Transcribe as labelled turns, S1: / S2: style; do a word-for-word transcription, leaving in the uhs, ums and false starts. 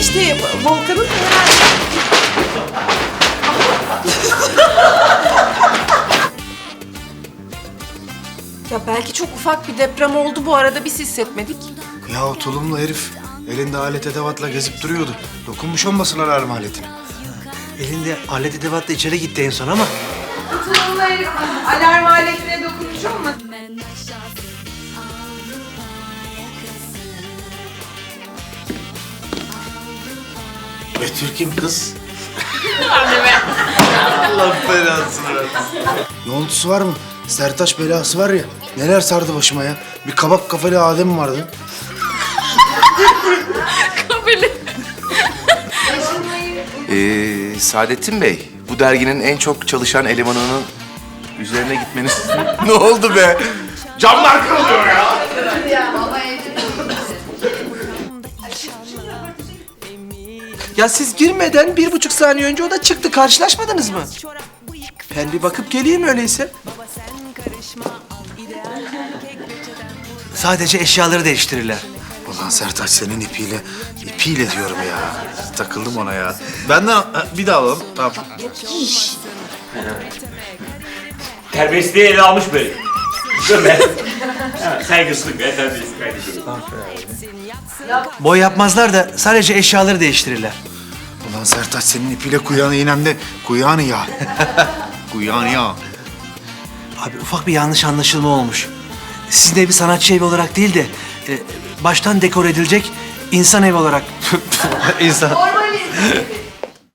S1: işte Volkan'ın herhalde. Ya belki çok ufak bir deprem oldu bu arada, biz hissetmedik.
S2: Ya o tulumlu herif elinde alet edevatla gezip duruyordu. Dokunmuş olmasın alarm aletine.
S3: Elinde alet edevatla içeri gitti en son ama.
S1: Tulumlu herif alarm aletine dokunmuş olmasın?
S2: Betül kim kız? Allah belasını versin. Yolcusu var mı? Sertaç belası var ya. Neler sardı başıma ya. Bir kabak kafalı Adem vardı.
S4: Ee, Saadettin Bey, bu derginin en çok çalışan elemanının üzerine gitmeniz... Ne oldu be? Camlar kırılıyor ya!
S3: Ya siz girmeden bir buçuk saniye önce o da çıktı. Karşılaşmadınız mı? Ben bir bakıp geleyim öyleyse. Sadece eşyaları değiştirirler.
S2: Ulan Sertaç senin ipiyle, ipiyle diyorum ya. Takıldım ona ya. Benden ha, bir daha alalım. Tamam.
S5: Terbiyesizliği ele almış böyle. Böyle. Ha, saygısızlık ve terbiyesizlik kardeşim.
S3: Boy yapmazlar da sadece eşyaları değiştirirler.
S2: Ulan Sertaç senin ipiyle kuyağını iğnemde. Kuyağını ya. Kuyağını ya.
S3: Abi ufak bir yanlış anlaşılma olmuş. Sizin evi sanatçı evi olarak değil de e, baştan dekor edilecek insan evi olarak. İnsan.